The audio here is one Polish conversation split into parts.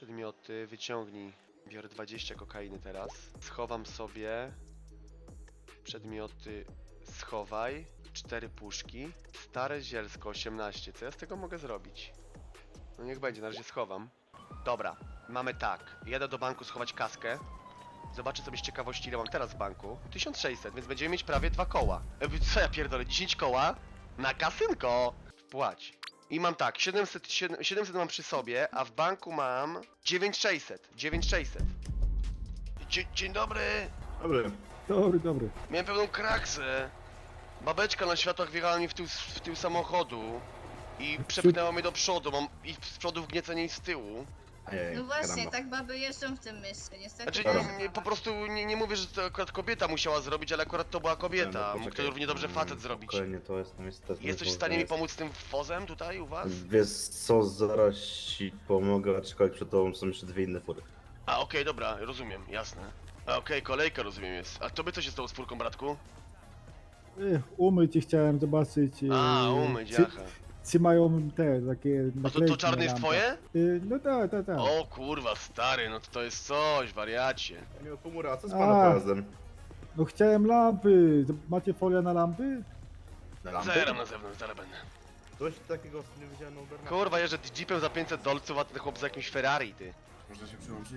Przedmioty, wyciągnij. Biorę 20 kokainy teraz. Schowam sobie. Przedmioty, schowaj. 4 puszki. Stare zielsko, 18. Co ja z tego mogę zrobić? No niech będzie, na razie schowam. Dobra, mamy tak. Jadę do banku schować kaskę. Zobaczę sobie z ciekawości, ile mam teraz w banku. 1600, więc będziemy mieć prawie 2 koła. Co ja pierdolę, 10 koła? Na kasynko! Płać. I mam tak, 700 mam przy sobie, a w banku mam 9600. 9600. Dzień dobry. Dobry. Dobry. Miałem pewną kraksę. Babeczka na światłach wjechała mi w tył samochodu i przepchnęła mnie do przodu. Mam i z przodu wgniecenie i z tyłu. Ojej, No właśnie, karamba. tak baby jeżdżą w tym mieście, niestety. Znaczy, to nie, po prostu nie mówię, że to akurat kobieta musiała zrobić, ale akurat to była kobieta. Mógł to równie dobrze facet zrobić. Spokojnie, to jest niestety... Jesteś w stanie mi pomóc z tym wozem tutaj u was? Wiesz co, zaraz ci pomogę, aczkolwiek przed tobą są jeszcze 2 inne fury. A okej, dobra, rozumiem, jasne. A okej, kolejka rozumiem jest. A tobie co się stało z furką, bratku? Umyć i chciałem zobaczyć. A, umyć, jaha. Czy mają te takie A naklejki to czarny na jest lampach. twoje? No tak. O kurwa, stary, no to jest coś, wariacie. Nie, pomura, co z A. pana pojazdem? No chciałem lampy. Macie folię na lampy? Na lampę? Zeram na zewnątrz, zaraz będę. Coś takiego nie widziałem na Ubernach. Kurwa, jeżdżę jeepem za 500 dolców, a ten chłop za jakimś Ferrari, ty. Można się przyłączyć?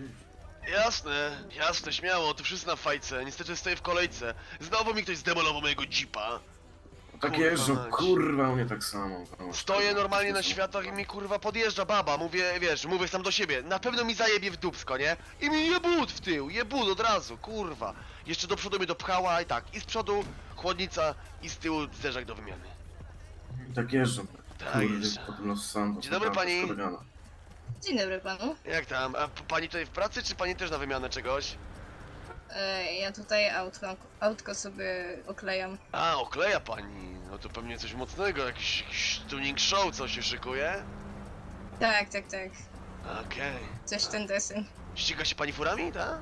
Jasne, śmiało, to wszyscy na fajce. Niestety stoję w kolejce. Znowu mi ktoś zdemolował mojego jeepa. Tak Kurwa jeżdżą, mać. kurwa, u mnie tak samo. Stoję normalnie na światłach i mi kurwa podjeżdża baba. Mówię sam do siebie. Na pewno mi zajebie w dupsko, nie? I mi jebut w tył, jebut od razu, kurwa. Jeszcze do przodu mnie dopchała i tak. I z przodu chłodnica i z tyłu zderzak do wymiany. Tak jeżdżą. Tak jeżdżą. Potem Los Santos. Dzień dobry, pani. Dzień dobry panu. Jak tam? A pani tutaj w pracy, czy pani też na wymianę czegoś? Ja tutaj autko sobie oklejam. A, okleja pani. No to pewnie coś mocnego, jakiś tuning show, co się szykuje? Tak. Okej. Coś w ten deseń. Ściga się pani furami, tak?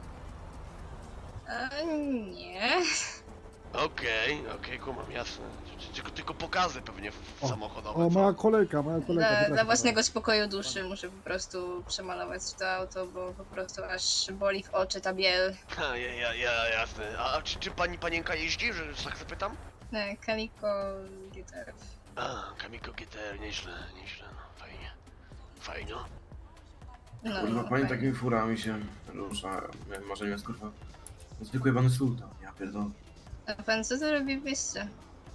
Nie. Okej, kumam, jasne. Tylko pokazy pewnie samochodowe. O, co? moja kolejka. Dla przepraszam. własnego spokoju duszy muszę po prostu przemalować to auto, bo po prostu aż boli w oczy ta biel. Ha, jasne. A czy pani panienka jeździ, że tak zapytam? Kaliko gitar. A, Kamiko GTR, nieźle, no, fajnie. No, Kurwa, pani fajnie. takimi furami się rusza. Może jest kurwa. Zwykły pan sultan, ja pierdolę. A pan co to robi w mieście?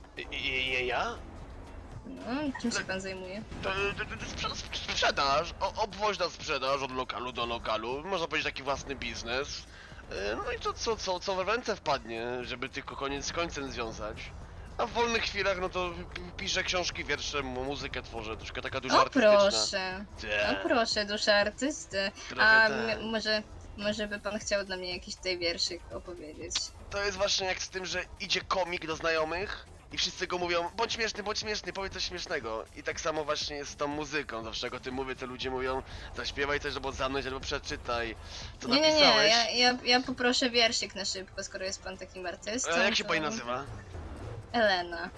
Ja? No, czym się pan zajmuje? Sprzedaż, obwoźna sprzedaż od lokalu do lokalu, można powiedzieć taki własny biznes. No i to co we ręce wpadnie, żeby tylko koniec z końcem związać. A w wolnych chwilach, no to piszę książki, wiersze, muzykę tworzę, troszkę taka duża O artystyczna. proszę, Te, o proszę, dusza artysty. trochę A tak. może by pan chciał dla mnie jakiś tutaj wierszyk opowiedzieć? To jest właśnie jak z tym, że idzie komik do znajomych i wszyscy go mówią bądź śmieszny, powiedz coś śmiesznego. I tak samo właśnie jest z tą muzyką, zawsze jak o tym mówię, to ludzie mówią zaśpiewaj coś albo zamknąć, albo przeczytaj, co Nie, napisałeś. ja poproszę wierszyk na szybko, skoro jest pan takim artystą. Jak się to- pani nazywa? Elena.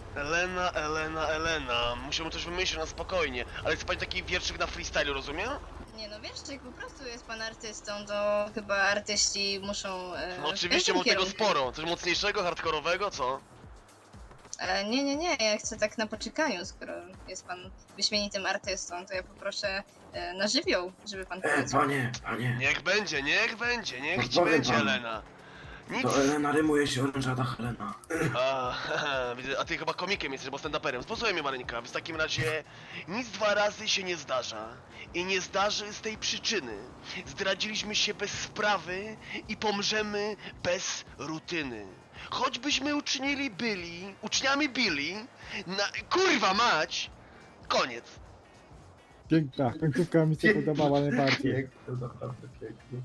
Elena. Musimy coś wymyślić na spokojnie. Ale chce pani taki wierszyk na freestyle, rozumiem? Nie no, wierszyk, po prostu jest pan artystą, to chyba artyści muszą... No w oczywiście, tym mam tego kierunku. sporo. Coś mocniejszego, hardkorowego, co? Nie, ja chcę tak na poczekaniu, skoro jest pan wyśmienitym artystą, to ja poproszę na żywioł, żeby pan powiedział. Panie. Niech będzie, niech ci Pozwolę będzie, panu. Elena. Nic. To Elena rymuje się orężada Helena. Widzę, a ty chyba komikiem jesteś, bo stand-uperem. Posłuchaj mnie, Maryńka, w takim razie nic 2 razy się nie zdarza. I nie zdarzy z tej przyczyny. Zdradziliśmy się bez sprawy i pomrzemy bez rutyny. Choćbyśmy uczniami byli, kurwa mać! Koniec. Piękna. Końcówka mi się podobała najbardziej. Piękny, naprawdę piękny.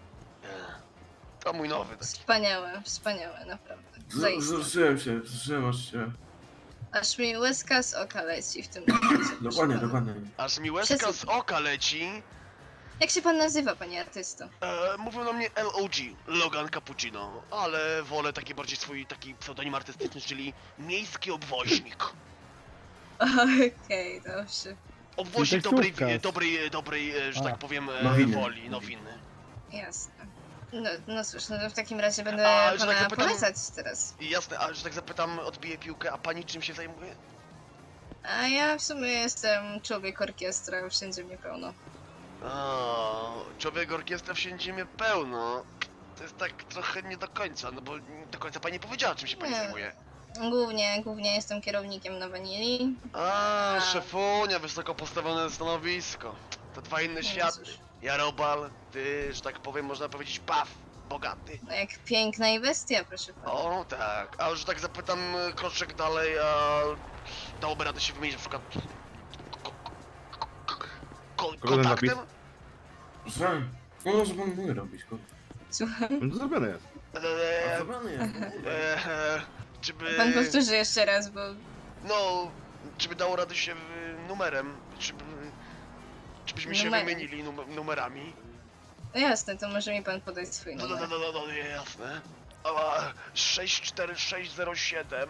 To mój nowy taki. Wspaniałe, naprawdę. Zaiste. Wzruszyłem aż się. Aż mi łezka z oka leci w tym momencie. proszę pana. Dokładnie. Aż mi łezka z Przesyp. oka leci. Jak się pan nazywa, panie artysto? Mówią na mnie LOG, Logan Cappuccino, ale wolę taki bardziej swój taki pseudonim artystyczny, czyli miejski obwoźnik. Okej, dobrze. obwoźnik dobrej, że A. tak powiem, Nowiny. woli, nowiny. Jasne. No cóż, no to w takim razie będę A, że pana tak zapytam- polecać teraz. I jasne, a że tak zapytam, odbiję piłkę, a pani czym się zajmuje? A ja w sumie jestem człowiek orkiestra, wszędzie mnie pełno. A, człowiek orkiestra wszędzie mnie pełno. To jest tak trochę nie do końca, no bo nie do końca pani nie powiedziała, czym się pani Nie. zajmuje. Głównie jestem kierownikiem na Vanilli. A, szefunia, wysoko postawione stanowisko. To dwa inne No światy. cóż. Ja robal, ty, że tak powiem, można powiedzieć, paw, bogaty. No jak piękna i bestia, proszę pana. O, tak. A że tak zapytam kroczek dalej, a dałoby radę się wymienić na przykład Kogo ten napis? kontaktem? Proszę. No może pan mój robić, kurwa. Słucham. No to zrobione jest. A zabrany jest, kurwa. Czy by... Pan powtórzy jeszcze raz, bo No, czy by dało radę się numerem? Czy byśmy się Numerem. wymienili numerami? no jasne, to może mi pan podać swój No, numer. jasne. A, 64607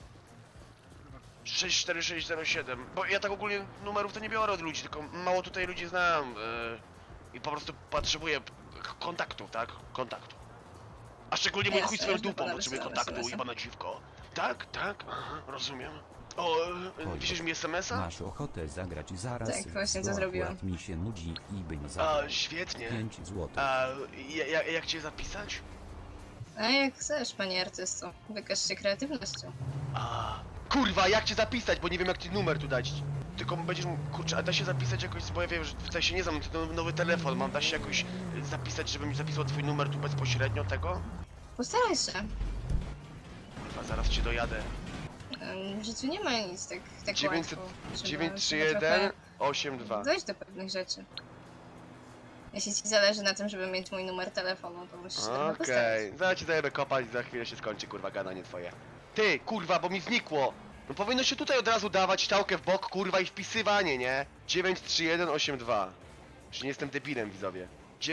64607. Bo ja tak ogólnie numerów to nie biorę od ludzi, tylko mało tutaj ludzi znam. I po prostu potrzebuję kontaktu, tak? Kontaktu. A szczególnie mój Jasne, chuj swoją już do dupą pana potrzebuje wysyłam kontaktu i SMS-a. pana dziwko. Tak, tak, aha, rozumiem. O, piszesz mi SMS-a? Masz ochotę zagrać zaraz? Tak, właśnie to bo zrobiłam. akurat mi się nudzi i bym A, zagrał. świetnie. 5 złotych. A jak cię zapisać? A jak chcesz, panie artysto, wykaż się kreatywnością. A, kurwa, jak cię zapisać, bo nie wiem jak ci numer tu dać. Tylko będziesz mógł, kurczę, a da się zapisać jakoś, bo ja wiem, że tutaj się nie znam, to nowy telefon mam, da się jakoś zapisać, żebym mi zapisał twój numer tu bezpośrednio tego? Postaraj się. Kurwa, zaraz cię dojadę. W życiu nie ma nic tak 900 łatwo. Trzeba 931 82. trochę dojść do pewnych rzeczy. Jeśli ci zależy na tym, żeby mieć mój numer telefonu, to musisz trochę Okej, postawić. zaraz ci zajebę kopać, za chwilę się skończy, kurwa, gadanie twoje. Ty, kurwa, bo mi znikło! No powinno się tutaj od razu dawać ściałkę w bok, kurwa, i wpisywanie, nie? 93182. Już nie jestem debilem, widzowie.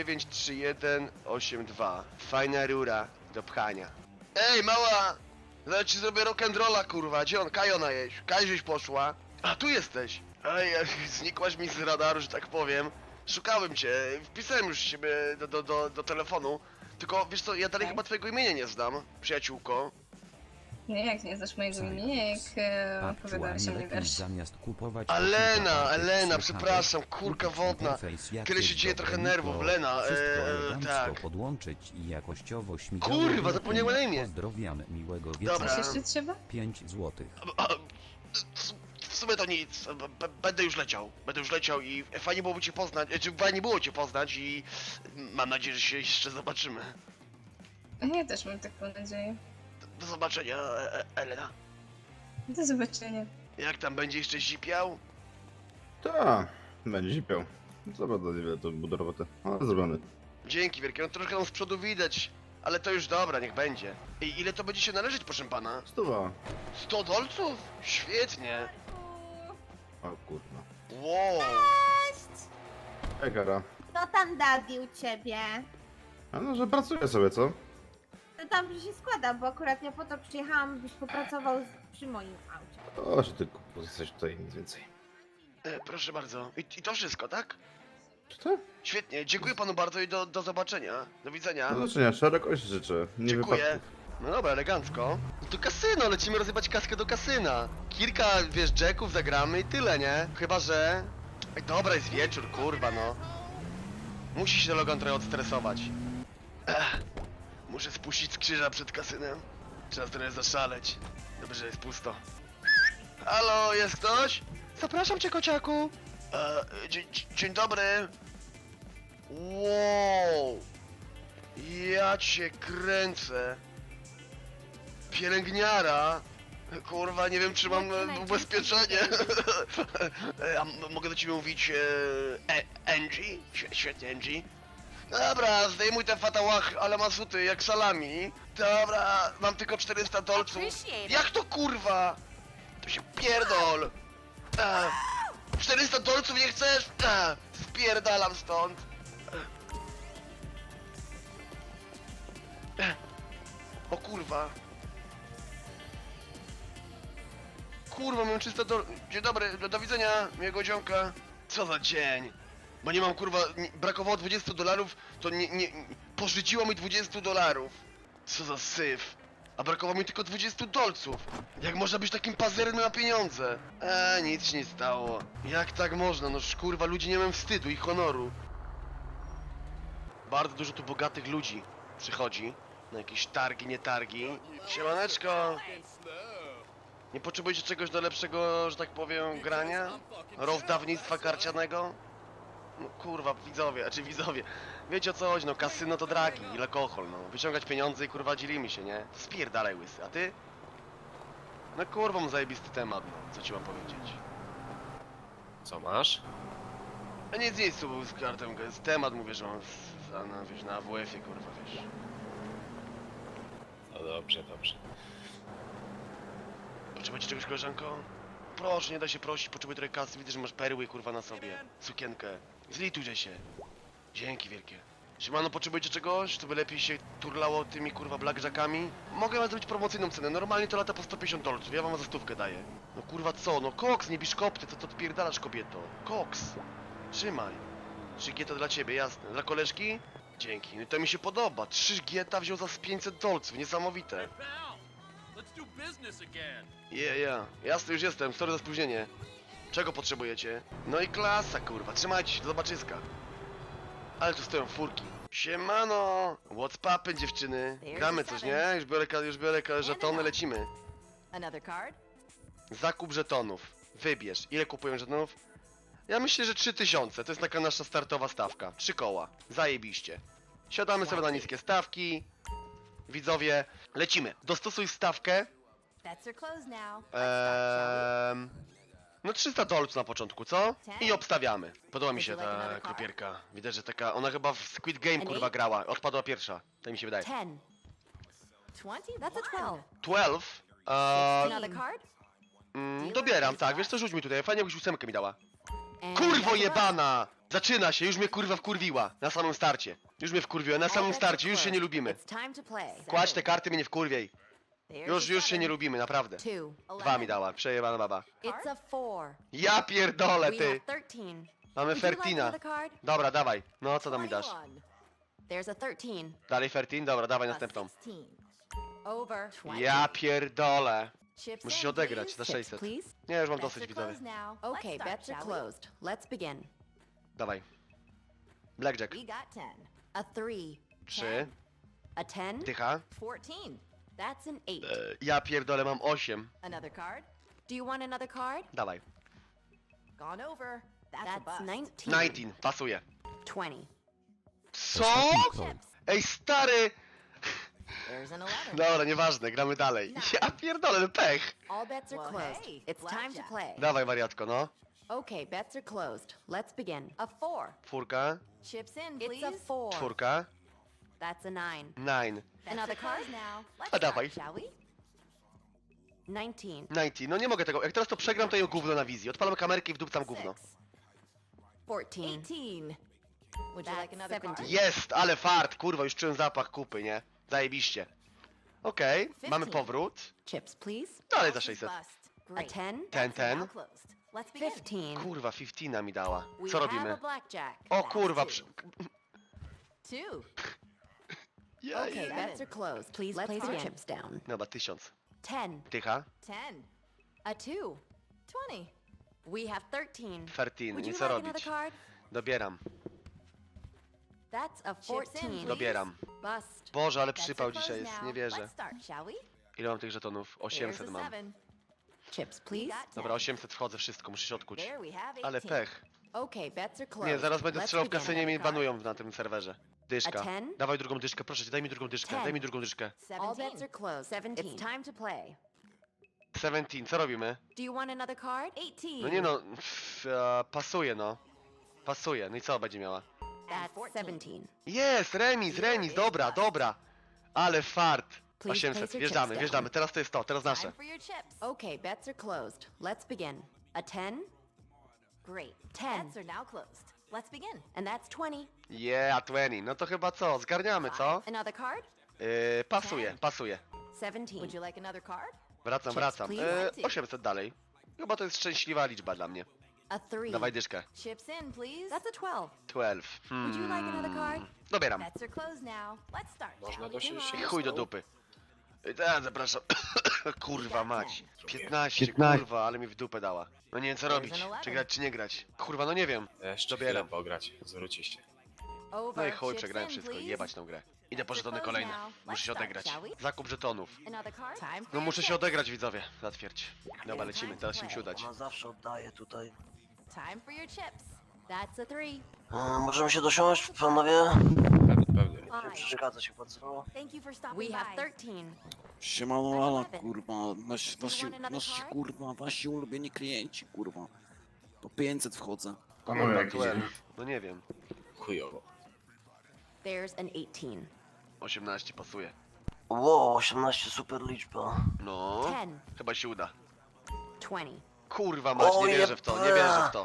93182. Fajna rura do pchania. Ej, mała! Zaraz ci zrobię rock'n'rolla, kurwa. Gdzie on? Kajona jeść. Kaj żeś poszła. A, tu jesteś. Ej, znikłaś mi z radaru, że tak powiem. Szukałem cię, wpisałem już ciebie do telefonu. Tylko, wiesz co, ja dalej Tak. chyba twojego imienia nie znam, przyjaciółko. Nie, jak nie znasz mojego Zając. imienia, jak opowiadałeś o Aktualnie mnie lepiej wiersz. zamiast kupować... Lena, kilka pakiet Lena, słuchawek, przepraszam, kurka kupić wodna. interfejs jakieś Kiedy się dzieje dobre trochę nerwów, mikro, Lena, wszystko elegancko tak. podłączyć i jakościowo śmigało. Kurwa, zapomniałem na imię. Pozdrawiam, miłego Dobra. wieczoru. Coś jeszcze trzeba? 5 złotych. W sumie to nic, będę już leciał i fajnie byłoby cię poznać, czy fajnie było cię poznać i mam nadzieję, że się jeszcze zobaczymy. Ja też mam taką nadzieję. Do zobaczenia, Elena. Do zobaczenia. Jak tam będzie jeszcze zipiał? Tak, będzie zipiał. Zobacz, ile to było do roboty. Ale zrobiony. Dzięki wielkie, no troszkę tam z przodu widać, ale to już dobra, niech będzie. I ile to będzie się należeć, proszę pana? 100. 100 dolców? Świetnie. O kurwa. Wow. Ej, Kara. Kto tam Daddy u ciebie? A no, że pracuje sobie, co? To dobrze się składa, bo akurat ja po to przyjechałam, byś popracował przy moim aucie. O, że ty kupu, jesteś tutaj, nic więcej. Proszę bardzo. I to wszystko, tak? Czy to? Świetnie, dziękuję panu bardzo i do zobaczenia. Do widzenia. Do zobaczenia, szerokość życzę. Nie Dziękuję. wypadków. No dobra, elegancko. No to kasyno, lecimy rozjebać kaskę do kasyna. Kilka, wiesz, jacków zagramy i tyle, nie? Chyba, że... Ej, dobra, jest wieczór, kurwa, no. Musi się Logan trochę odstresować. Muszę spuścić z krzyża przed kasynem. Trzeba trochę zaszaleć. Dobrze, że jest pusto. Halo, jest ktoś? Zapraszam cię, kociaku. Dzień dobry. Wow. Ja cię kręcę. Pielęgniara. Kurwa, nie wiem czy mam ubezpieczenie. A mogę do ciebie mówić Angie? Świetnie, Angie. Dobra, zdejmuj te fatałach, ale masuty, jak salami. Dobra, mam tylko 400 dolców. Jak to kurwa? To się pierdol. 400 dolców nie chcesz? Spierdalam stąd. O kurwa. Kurwa, mam czysto do... Dzień dobry, do widzenia, miłego dzionka. Co za dzień. Bo nie mam, kurwa, brakowało $20, to pożyczyło mi $20. Co za syf. A brakowało mi tylko $20. Jak można być takim pazernym na pieniądze? Nic się nie stało. Jak tak można? No kurwa, ludzie nie mają wstydu i honoru. Bardzo dużo tu bogatych ludzi przychodzi na jakieś targi, nie targi. Siemaneczko! Nie potrzebujecie czegoś do lepszego, że tak powiem, grania? Rozdawnictwa karcianego? No kurwa, widzowie. Wiecie o co chodzi, no kasyno to dragi i alkohol, no. Wyciągać pieniądze i kurwa dzielimy się, nie? Spierdalaj łysy, a ty? No kurwa, mam zajebisty temat, no. Co ci mam powiedzieć? Co masz? A nic, tu był z kartą, jest temat, mówię, że mam wiesz, na AWF-ie, kurwa, wiesz. No dobrze, dobrze. Potrzebujecie czegoś, koleżanko? Proszę, nie da się prosić, potrzebuję trochę kasy, widzę, że masz perły, kurwa, na sobie. Sukienkę. Zlitujcie się. Dzięki wielkie. Siemano, potrzebujecie czegoś, to by lepiej się turlało tymi, kurwa, blackjackami? Mogę wam zrobić promocyjną cenę, normalnie to lata po $150, ja wam za 100 daję. No kurwa co, no koks, nie biszkopty, co to odpierdalasz, kobieto? Koks. Trzymaj. 3 gieta dla ciebie, jasne. Dla koleżki? Dzięki, no to mi się podoba. 3 gieta wziął za $500, niesamowite. Jasne, już jestem, sorry za spóźnienie. Czego potrzebujecie? No i klasa, kurwa, trzymajcie się, do zobaczyska. Ale tu stoją furki. Siemano! What's poppin', dziewczyny? Gramy coś, nie? Już biorę żetony, lecimy. Another card? Zakup żetonów. Wybierz. Ile kupuję żetonów? Ja myślę, że 3000. To jest taka nasza startowa stawka. 3 koła. Zajebiście. Siadamy sobie na niskie stawki. Widzowie, lecimy. Dostosuj stawkę. Bets are closed now. Let's start, shall No $300 na początku, co? I obstawiamy. Podoba mi się ta kropierka. Widać, że taka... Ona chyba w Squid Game, kurwa, grała. Odpadła pierwsza. Tak mi się wydaje. we? 10. 20? That's a 12. 12? Another card? Dobieram, tak. Wiesz co, rzuć mi tutaj. Fajnie, jakbyś 8 mi dała. And Kurwo that's a jebana! Zaczyna się, już mnie kurwa wkurwiła. Na samym starcie. Już mnie wkurwiła, na samym starcie, już się nie lubimy. It's time to play. Kładź te karty, mnie nie wkurwiej. There's Już a się nie seven. lubimy, naprawdę. 2. 2 mi dała, przejebana baba. It's a 4. Ja pierdolę, We ty! have 13. Mamy Would you like Fertina. another card? Dobra, dawaj. No, co tam mi dasz? 21. There's a 13. Dalej Fertin? Dobra, dawaj A następną. 16. Over 20. Ja pierdolę. Chips Muszę in, się odegrać please. za Chips, 600. please. Nie, już mam Bets dosyć, are widzowie. closed now. Okay, start, bets are shall we? closed. Let's begin. Dawaj. Blackjack. We got 10. A 3. 3. A 10. Dycha. 14. That's an 8. Ja pierdolę, mam 8. Another card? Do you want another card? Dawaj. Gone over. That's 19. 19, pasuje. 20. Co? Ostatni kol. Ej, stary! There's an 11. Dobra, nieważne, gramy dalej. Ja pierdolę, no pech. All bets are Well, closed. hey, It's time to blackjack. play. Dawaj, wariatko, no. Okay, bets are closed. Let's begin. A 4. Czwórka, Chips in, please. It's a 4. czwórka, That's a 9. 9. Another card now. A dawaj. Shall we? 19. 90, no nie mogę tego. Jak teraz to przegram, to ją gówno na wizji. Odpalam kamerkę i wdupcam gówno. 14. 18. Would you like another card? Jest, ale fart, kurwa, już czułem zapach kupy, nie? Zajebiście. Okej, mamy 15. powrót. Chips, please. Dalej za 600. A Great. 10. 10, 10. Now closed. Let's begin. 15. Kurwa, 15 mi dała. We Co have robimy? a blackjack. O kurwa, przy... 2. Ja, Okay, bets are closed. Please place your chips down. Dobra, 1000. 10. Dycha, 10. A 2. 20. We have 13. 13, Would nie you co like another robić. card? Dobieram, That's a 14. dobieram. Bust. Boże, ale Bets przypał are closed dzisiaj jest, now. nie wierzę. Let's start, shall we? Ile mam tych żetonów? 800 There's a mam. 7. Chips, please. Dobra, 800 wchodzę, wszystko, muszę się odkuć. There we have 18. Ale pech. Okay, bets are closed. Nie, zaraz będę Let's strzelał w begin. kasynie i mnie banują na tym serwerze. Dyszka. A 10? Dawaj drugą dyszkę, proszę cię, daj mi drugą dyszkę, 10. daj mi drugą dyszkę. All bets are closed. 17. It's time to play. 17, co robimy? Do you want another card? 18. No nie no, pasuje no. Pasuje, no i co będzie miała? That's 17. Jest, remis, dobra, dobra. Ale fart. Please 800, place your wjeżdżamy, chips wjeżdżamy, teraz to jest to, teraz Time nasze. for your chips. Okay, bets are closed. Let's begin. A 10. Great. 10. Bets are now closed. Let's begin. And that's 20. Yeah, 20, no to chyba co, zgarniamy, co? Another card? Pasuje, pasuje. 17. Would you like another card? Wracam, Chips, wracam. please. 800 dalej. Chyba to jest szczęśliwa liczba dla mnie. A 3. Dawaj dyszkę. Chips in, please. That's a 12. 12. Would you like another card? Dobieram. Bets are closed now. Let's start. Można shall we? dosiąść Come się on. Chuj do dupy. Zapraszam. Kurwa mać. 15, 15. kurwa, ale mi w dupę dała. No nie wiem co robić. Czy grać, czy nie grać. Kurwa, no nie wiem. Jeszcze Dobieram. chwilę pograć, zwróci się. Over. No i chuj, Chips przegrałem in, wszystko. please. Jebać tą grę. Idę po żetony kolejne. Muszę się odegrać. Zakup żetonów. Another card? Time for No your muszę się chips. odegrać, widzowie. Zatwierdź. Dobra, lecimy. Teraz się musi udać. Ona zawsze oddaje tutaj. Time for your chips. That's a 3. Możemy się dosiąść, panowie? Pewnie. Nie Five. przeszkadza się bardzo. Thank you for stopping We have 13. Siemano, Ala, kurwa, nasi kurwa, wasi ulubieni klienci, kurwa. Po 500 wchodzę. Panowie, jak idzie? 12. No nie wiem. Chujowo. There's an 18. 18 pasuje. Wow, 18 super liczba. No. 10. Chyba się uda. 20. Kurwa mać, O, nie wierzę w to, nie wierzę w to.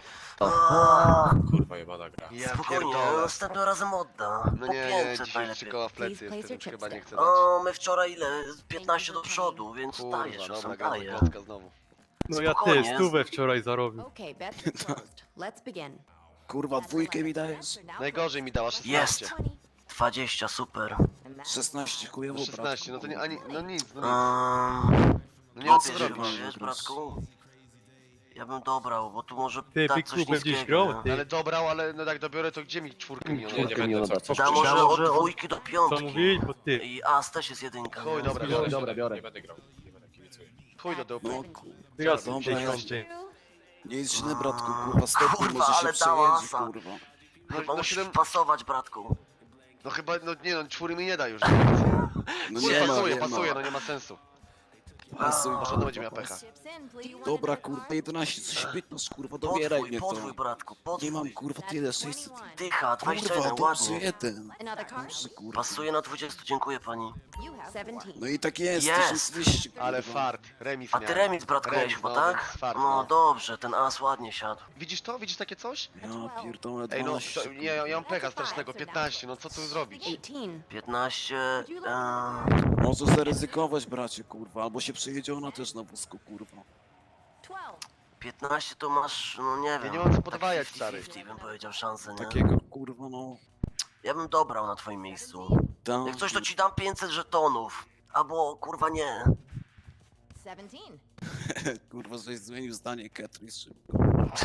Kurwa jebana gra. Ja Spokojnie, pierdolę. następnym razem odda. No Po nie, 500 dzisiaj najlepiej. 3 koła w plecy Please place jestem, your chyba chips nie chcę O, dać. my wczoraj ile? 15 do przodu, więc Kurwa, daję, dobra, czasem gra daję. klocka znowu. No ja Spokojnie. też, stówę wczoraj zarobił. Okay, bets are closed. Let's begin. Kurwa, dwójkę mi dajesz? Najgorzej mi dała 16. Jest. 20, super. 16 chujowo, No 16, no to nie, ani, no nic, no nic. Um, No nie mam co Wiesz, zrobić. wiesz, bratku? Ja bym dobrał, bo tu może Ty, dać Big coś Klubem gdzieś niskiego. grał? nie? Ty. Ale dobrał, ale no jak dobiorę, to gdzie mi czwórkę Nie, miliona? nie będę co Da może od dwójki do Co piątki. mówiłeś? Bo ty. I As też jest jedynka. Chuj, nie? dobra, Biorę, biorę. biorę. Nie będę grał. Nie będę kibicuję. Chuj do dupy. No, Ja dobra, dziesiąty. nie jest źle, bratku, kurwa, stopy Kurwa, może się ale dała przejedzie, asa. kurwa. No, Chyba no, musisz 7, pasować, bratku. no chyba, no nie no, czwóry mi nie da już. No Chuj, nie ma, pasuje, nie pasuje, ma. no nie ma sensu. Pasuj, Może to będzie miała kurwa, pecha. Chips in, please. You want Dobra, another kurwa, card? 11, coś 15, kurwa, dobieraj mnie Podwój, to. bratku, Nie mam, podwój. kurwa, That's tyle, 600. 21. Dycha, Kurwa, 21, dobrze, ładnie. jeden. Another card? Dobrze, kurwa. Pasuje na 20, dziękuję pani. You have 17. No i tak jest, Jest. 1200, kurwa. Ale fart, remis A ty miałem. remis, bratku, Remis, miałeś chyba, no, tak? więc fart, No no. dobrze, ten As ładnie siadł. Widzisz to? Widzisz takie coś? Ja pierdolę, Ej no, 12. to, nie, ja mam pecha strasznego, 15, no co tu zrobić? 18. 15, Możesz zaryzykować, bracie, kurwa, albo się przejedzie ona też na wózku, kurwa. 12. 15 to masz, no nie wiem. nie mam co tak podwajać, 50-50 stary. bym powiedział szansę, nie? Takiego, kurwa, no. Ja bym dobrał na twoim miejscu. Tam, Jak coś to ci dam 500 żetonów. Albo kurwa nie. 17. kurwa, żeś zmienił zdanie, Ketris, szybko.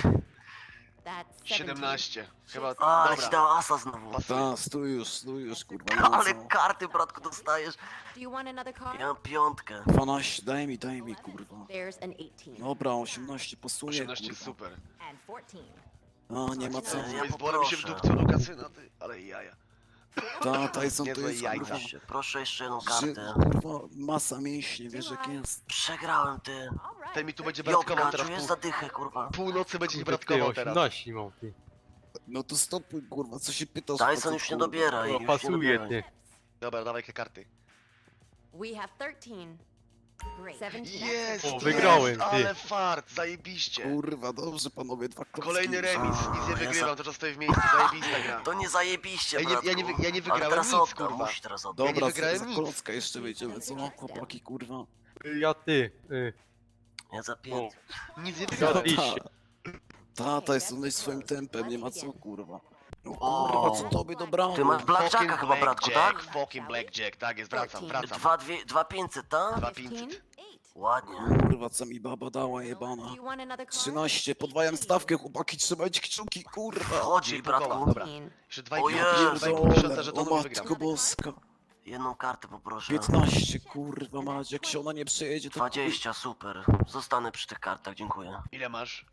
That's 17. Chyba, A, ale ci dobra. dała Asa znowu. Ta, stój już, kurwa, nie ma Ale co. karty, bratku, dostajesz. Do you want another card? Ja mam piątkę. 12, daj mi, kurwa. There's an 18. Dobra, 18 pasuje, 18 kurwa. super. And 14. A, nie ma co. Ja Baseballem mi się poproszę. wdupcył do kasyna, ty, ale jaja. Ta, Tyson to Niezłe jest, jajca. kurwa, Proszę jeszcze jedną że, kartę. kurwa, masa mięśni, wiesz jak jest. Przegrałem, ty. All Ten mi tu będzie Jopka, bratkował teraz czujesz pół, zadychę, kurwa. północy będzie ci Kurde, ty, bratkował teraz. 18 mam, ty. No to stopuj, kurwa, co się pytasz? Tyson facet, już nie kurwa? dobiera i No, już nie pasuje, dobieraj. ty. Dobra, dawaj jakie karty. We have 13. Great. 17. Jest, O, wygrałem, ty. ale fart, zajebiście. Kurwa, dobrze, panowie, dwa klocki. Kolejny remis, A, nic nie ja wygrywam, to czas stoję w miejscu, zajebista gra. To nie zajebiście, Ja nie- bratku. ja nie wy- ja nie Ale wygrałem teraz nic, odda, kurwa. musi teraz oddać. Ja nie Dobra, wygrałem za nic. klocka jeszcze wyjdziemy, co? Chłopaki, kurwa. Ja ty. Ja za 5. Nic nie Ja wygrałem. iść. Ta, Tyson jest swoim tempem, nie ma co, kurwa. No O. kurwa, co tobie dobrałem? Ty masz blackjacka chyba, bratku, tak? Fucking blackjack, tak jest, wracam. 2500, tak? 2500. 8. Ładnie. Kurwa, co mi baba dała, jebana. Do you want another card? 13, podwajam stawkę, chłopaki, trzymajcie kciuki, kurwa. Chodzi, bratku. Dobra. 15. Jeszcze O 2,5 Pierdolę, tysiąca o żetonów i wygram. matko boska. Jedną kartę poproszę. 15, kurwa mać, jak się ona nie przejedzie, to... 20, super. Zostanę przy tych kartach, dziękuję. Ile masz?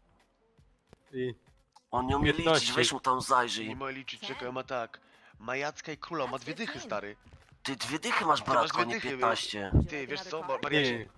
I On nie umie 15. liczyć, weź mu tam Nie zajrzyj. mogę liczyć, czekaj, ma tak. Majacka i króla, ma 2 dychy, stary. Ty 2 dychy masz, Ty masz bratku, a 2 nie dychy, 15. Ty, wiesz co, nie. Mariacie,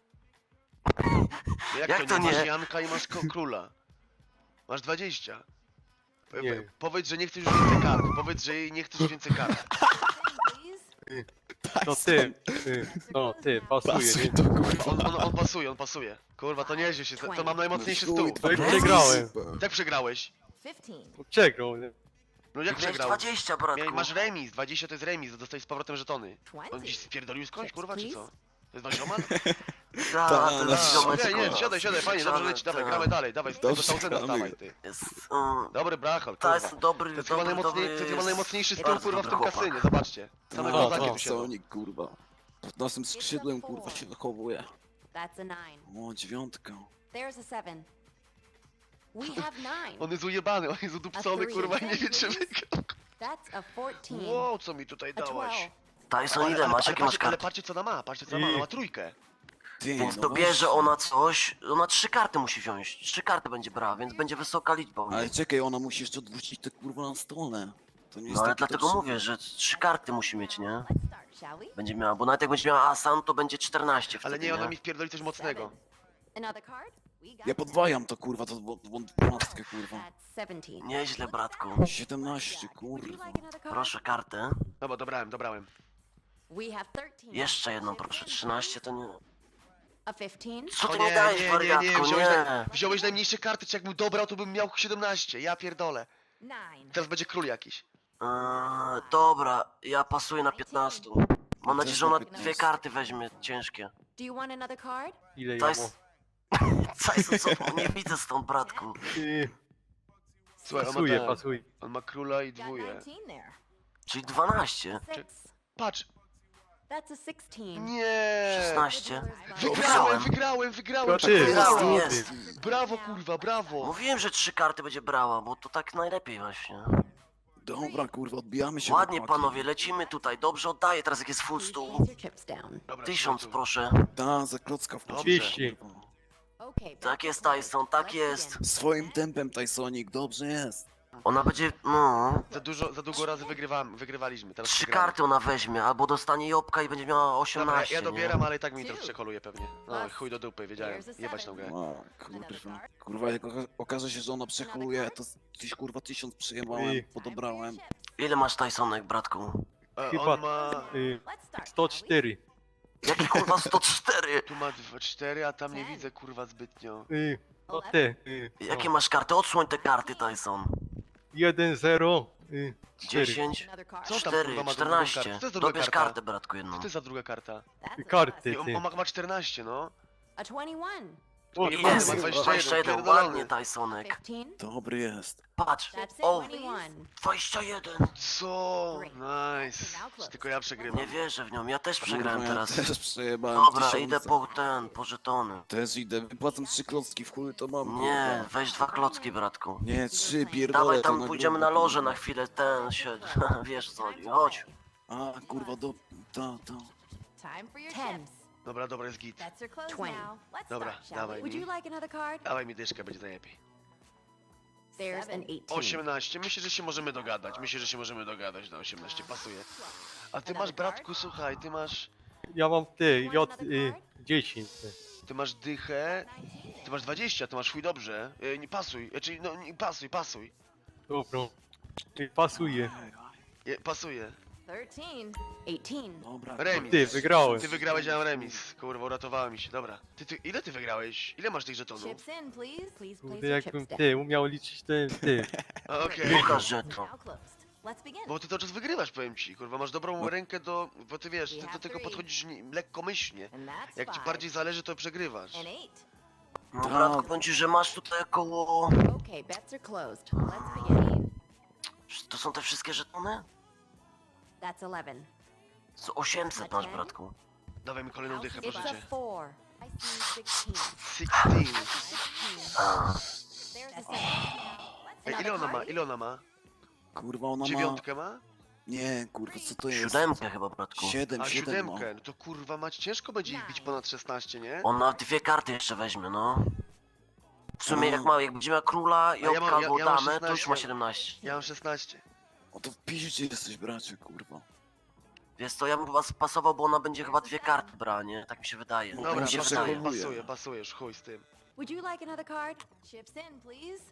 jak to nie? Masz Janka i masz króla. Masz 20. Nie. Powiedz, że nie chcesz już więcej kart. Powiedz, że nie chcesz już więcej kart. Please. to ty. No, ty, pasuje, Pasuj nie? to, kurwa. On pasuje, on pasuje. Kurwa, to nieźle się, to mam najmocniejszy Chuj, stół. No i dwa przegrałem. super. Jak przegrałeś? 15. Przegrał, nie? No jak Miałeś przegrał? 20, bratku. Masz remis, 20 to jest remis, dostajesz z powrotem żetony. On 20. dziś spierdolił skądś, kurwa, czy co? To jest wasz omal? Ta, ten no, ziomeczek, Okej, nie, kurwa. siadaj, fajnie, dobrze leci, dawaj, Ta. gramy dalej, dawaj, tego Dobrze, Tausenda gramy. stawaj, ty. Jest, Dobry brachol, to kurwa. jest dobry, To jest chyba dobry, najmocniejszy stół, bardzo kurwa, w tym dobry chłopak. kasynie, zobaczcie. Same No, kozaki to tu siedzą. Sonic, kurwa. Pod naszym skrzydłem, kurwa, się wychowuje. That's a 9. O, 9. There's a 7. We have 9. On jest ujebany, on jest udupcony, kurwa, i nie wie, czy wygrał. That's a 14. Wow, co mi tutaj A dałaś? 12. Tyson, ile masz? Jakie masz ale karty? patrzcie, co ona ma, patrzcie, co ona ma, ona ma trójkę. Ty, Więc no dobierze właśnie. ona coś, ona 3 karty musi wziąć. 3 karty będzie brała, więc będzie wysoka liczba u Ale niej. czekaj, ona musi jeszcze odwrócić te kurwa na stole. To nie jest No ale takie dlatego dobrze. mówię, że 3 karty musi mieć, nie? Let's start, shall we? Będzie miała, bo nawet jak będzie miała Asan, to będzie 14 Ale wtedy, nie, ona mi wpierdoli coś mocnego. Another card? We got Ja podwajam to, kurwa, to 12, kurwa. That's 17. Nieźle, bratku. 17, Would you kurwa. like another card? Proszę kartę. Dobra, dobrałem. We have 13. Jeszcze jedną, proszę. 13 to nie... A 15? Co O ty nie, mi dajesz, nie, wariatku? Nie. wziąłeś najmniejsze karty, czy jakbym dobrał, to bym miał 17, ja pierdolę. 9. Teraz będzie król jakiś. Dobra, ja pasuję na 15. Mam nadzieję, Też że na ona 15. 2 karty weźmie, ciężkie. Do you want another card? Ile To ja jest... Tyson, co? Nie widzę stąd, bratku. Słuchaj, Pasuje, on pasuje. on ma króla i Got dwóje. 19 there. Czyli 12. 6. Patrz, That's a 16. nie. 16. Wygrałem, To ty. Wygrałem, jest. Brawo, kurwa, brawo. Mówiłem, że 3 karty będzie brała, bo to tak najlepiej właśnie. Dobra, kurwa, odbijamy się. Ładnie, chłopaki. panowie, lecimy tutaj. Dobrze oddaję teraz, jak jest full Place stół. your chips down. Dobra, 1000, siadaj tu. proszę. Ta, za klocka w Dobrze. 30. kurwa. Okay. Tak jest, Tyson, tak Let's jest. begin. Swoim tempem, Tysonik, dobrze jest. Ona będzie, no... Za długo razy wygrywaliśmy, teraz 3 przegramy. karty ona weźmie, albo dostanie jopka i będzie miała Dobra, 18, ja nie? dobieram, ale i tak mi to przekoluje pewnie. No, chuj do dupy, wiedziałem. Here's a Jebać tą grę. A, kurwa. Kurwa, jak okaże się, że ona przeholuje, to gdzieś kurwa 1000 przyjemałem, I- podobrałem. Ile masz Tysonek, bratku? Chyba On ma... Let's start. 104. Jaki kurwa 104? Tu ma 4, a tam nie widzę, kurwa, zbytnio. To ty. Jakie masz karty? Odsłoń te karty, Tyson. 1, 0, 4. 10, Another card. Co tam, 4, kurwa, ma za drugą kartę? 14. Co to jest za druga Dobierz karta? kartę, bratku, jedną. Co to jest za druga karta? That's a Karty. I on ma 14, no. A 21. O, Nie, Jest, ma 21, 21, pierdolony. ładnie, Tysonek. 15. Dobry jest. Patrz, That's it. o, 21. 21. Co? Nice. Czy tylko ja przegrywam. Nie wierzę w nią, ja też przegrałem Kurwa, teraz. Ja też przejebałem Dobra, 1000. idę po żetony. Też idę, wypłacam 3 klocki, w chuj to mam. Nie, kurwa. weź 2 klocki, bratku. Nie, 3, pierdolę. Dawaj to tam, pójdziemy na grubę, loże kurwa. na chwilę, ten się, wiesz co chodzi, chodź. A, kurwa, to. Time for your chips. Dobra, jest git. Bets are closed 20. now. Let's Dobra, start, shall dawaj we? Would mi. you like another card? Dawaj mi dyszkę, będzie najlepiej. There's an 18. 18, myślę, że się możemy dogadać. Na 18 pasuje. A ty masz, bratku, słuchaj, ty masz Ja mam ty, J, 10. ty masz dychę, ty masz 20, to masz chuj dobrze. Nie pasuj, czyli no nie, pasuj. Dobra. Pasuje. Pasuje. 13. 18. Dobra. Remis. Ty, wygrałem. Ty wygrałeś, ja mam remis. Kurwa, uratowała mi się, dobra. Ile ty wygrałeś? Ile masz tych żetonów? Chips in, please. Please place Kurde, your jakbym chips down. ty umiał liczyć ten, ty. Okej. Pokaż żeton. Now closed. Let's begin. Bo ty to czas wygrywasz, powiem ci, kurwa, masz dobrą No. rękę bo ty wiesz, ty do tego podchodzisz lekkomyślnie. And that's Jak ci 5. bardziej zależy, to przegrywasz. And 8. No bratku, powiem ci, że masz tutaj około... Okay, bets are closed. Let's begin. To są te wszystkie żetony? That's 11. Co 800 masz, bratku. Dawaj mi kolejną dychę, proszę It's a cię. 4. I see 16. 16. 16. A, There's a 7. Ej, ile ona ma? Kurwa, ona ma... Dziewiątkę ma? Nie, kurwa, co to jest? 7 chyba, bratku. 7, A 7 ma. siódemkę, no to kurwa mać ciężko będzie ich bić ponad 16, nie? Ona 2 karty jeszcze weźmie, no. W sumie A. jak będzie miała króla, ja mam- jopka albo ja mam damę, to już 16. ma 17. Ja mam 16. O to w piździe jesteś, bracie, kurwa. Wiesz co, ja bym chyba spasował, bo ona będzie chyba 2 karty brała, nie? Tak mi się wydaje. No, Dobra, mi się pasuje. wydaje. pasuje, już chuj z tym. Would you like another card? Chips in, please.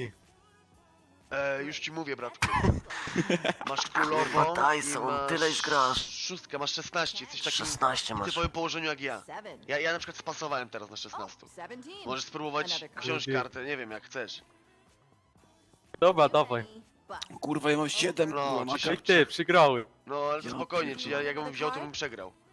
Już ci mówię, bratku. Masz królową Kurwa, i Tyson, masz tyle już grasz. szóstkę, masz 16, jesteś takim 16 masz. typowym położeniu jak ja. 7. Ja na przykład spasowałem teraz na 16. 17. Możesz spróbować wziąć kartę, nie wiem jak chcesz. Dobra, dawaj. Kurwa, ja mam 7, No, kurwa, czy się- maka. Jak ty, przegrałem. No ale to Ja spokojnie, czy ja pierdolę. jakbym wziął, to bym przegrał.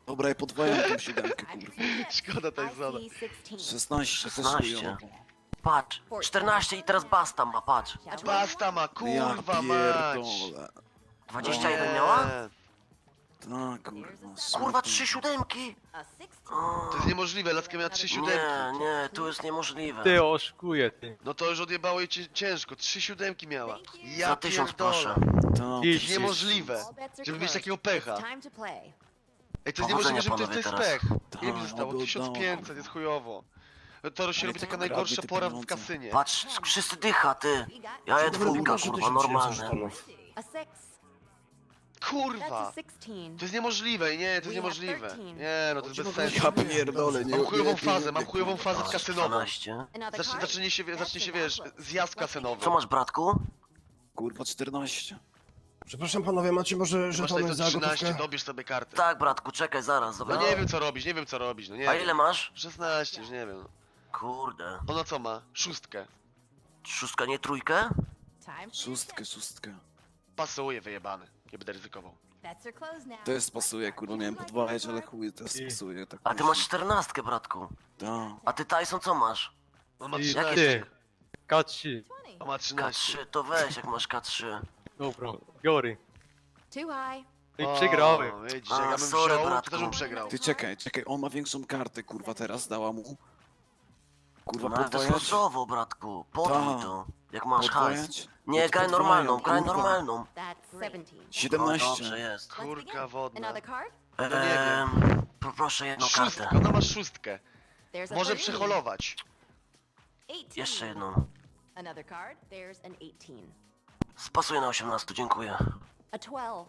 Dobra, ja podwajam tą siódemkę, kurwa. Szkoda I Tysona. see 16. 16, to 16. chujowo. Patrz, 14 i teraz basta ma, patrz. Shall we? Basta ma, Ja kurwa mać! pierdolę. 21 miała? Tak, kurwa. Kurwa, smutno. 3 siódemki! A 16. To jest niemożliwe, Laska miała 3 Nie, siódemki. nie, tu jest niemożliwe. Ty oszukuje, ty. No to już odjebało jej ciężko, 3 siódemki miała. Ja Za 1000 pierdolę. proszę. Tak, To jest przecież- niemożliwe, All bets are żeby mieć closed. takiego pecha. It's time to play. Ej, to jest Powodzenia, niemożliwe, żeby to jest panowie, pech. teraz. Ile mi zostało? Tak, 1500, jest chujowo. To się Ale robi to taka kradnie najgorsza te pora w pieniądze. kasynie. Patrz, wszyscy dycha, ty. We got Ja je Dobra, dwójka, pokażę kurwa, 1000 normalne. sztalów. a 6. That's a Kurwa! 16. To jest niemożliwe, nie, to jest We have niemożliwe. 13. Nie, no to jest bez sensu. Ja pierdolę, nie Mam chujową nie, fazę, nie, mam chujową fazę Masz kasynową. 12. Another card? Zacznie się, wiesz, zjazd Co kasynowy. masz, bratku? Kurwa, 14. Przepraszam panowie, macie może Masz tutaj żetony to za 13, gotówkę? dobierz sobie kartę. Tak, bratku, czekaj, zaraz, No dobra. nie wiem co robić, nie wiem co robić, no nie A wiem. ile masz? 16, już nie wiem. Kurde. Ona co ma? 6. Szóstka, nie trójkę? Time for Szóstkę, szóstkę. Pasuje, wyjebany. Nie będę ryzykował. bets are closed now. Też pasuje, kurwa, miałem podwajać, ale chuj, też pasuje. Tak A ty masz 14, bratku. Tak. A ty, Tyson, co masz? On ma I 13. ty. K3. 20. On ma 13. K3, to weź, jak masz K3. Dobra, biorę. Too high. I O, przegrałem. Widzisz, A, jak ja bym sorry, wziął, to bratku. też bym przegrał. Ty czekaj, on ma większą kartę, kurwa, teraz dała mu. Kurwa, No ale to jest podwajać? losowo, bratku. Podwój Tak. to. Jak masz hajs. Podwajać? Nie, No to graj podwajam, normalną, graj kurwa. normalną. That's 17. No 17. dobrze jest. Let's Kurka begin. wodna. Another card? No nie wiem. Proszę jedną Szóstkę, kartę. ona ma 6. There's a Może 13. przeholować. 18. Jeszcze jedną. Another card. There's an 18. Spasuję na 18, dziękuję. A 12.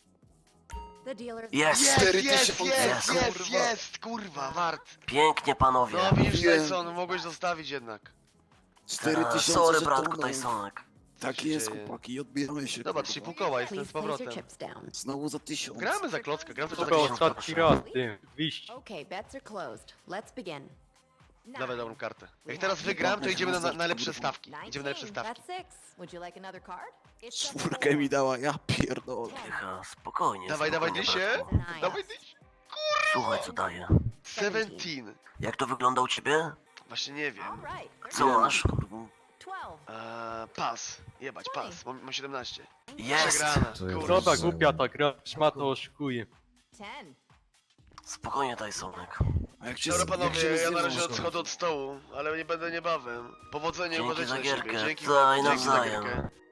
The dealer's Jest! Jest, 4000, jest, kurwa. kurwa, wart. Pięknie, panowie. No widzisz, Wiem. Tyson, mogłeś zostawić jednak. 4000 Sorry, bratku, żetonów. Tysonek. Tak się jest, dzieje? chłopaki, odbieramy się. Dobra, kurwa. 3,5 koła, jestem Please z place your powrotem. chips down. Znowu za 1000. Gramy za klockę, gramy za Tylko klockę. ostatni raz, ty. 200. Okay, bets are closed. Let's begin. Dawaj dobrą kartę. Jak teraz wygram, to idziemy na najlepsze stawki. Idziemy na lepsze 19. stawki. That's 6. Would you like another card? It's a Czwórkę mi dała, ja pierdolę. Dycha, spokojnie. Dawaj, dawaj, spokojnie, dysie. bratku. Nice. Dawaj, dyś. Słuchaj, co daje. 17. Jak to wygląda u ciebie? Właśnie nie wiem. All right. Co masz? Kurwa. 12. Pas. Jebać, pas. Mam 17. Jest! Przegrana. Co Kurwa. ta głupia ta gra, szmato oszukuje. 10. Spokojnie, Tysonek. A jak cię Dobra jak się panowie, ja na rozjebał, razie to- odchodzę od stołu, ale nie będę niebawem. Powodzenia i Dzięki uważajcie za na siebie. gierkę. Dzięki Daj dzięki za nawzajem. gierkę.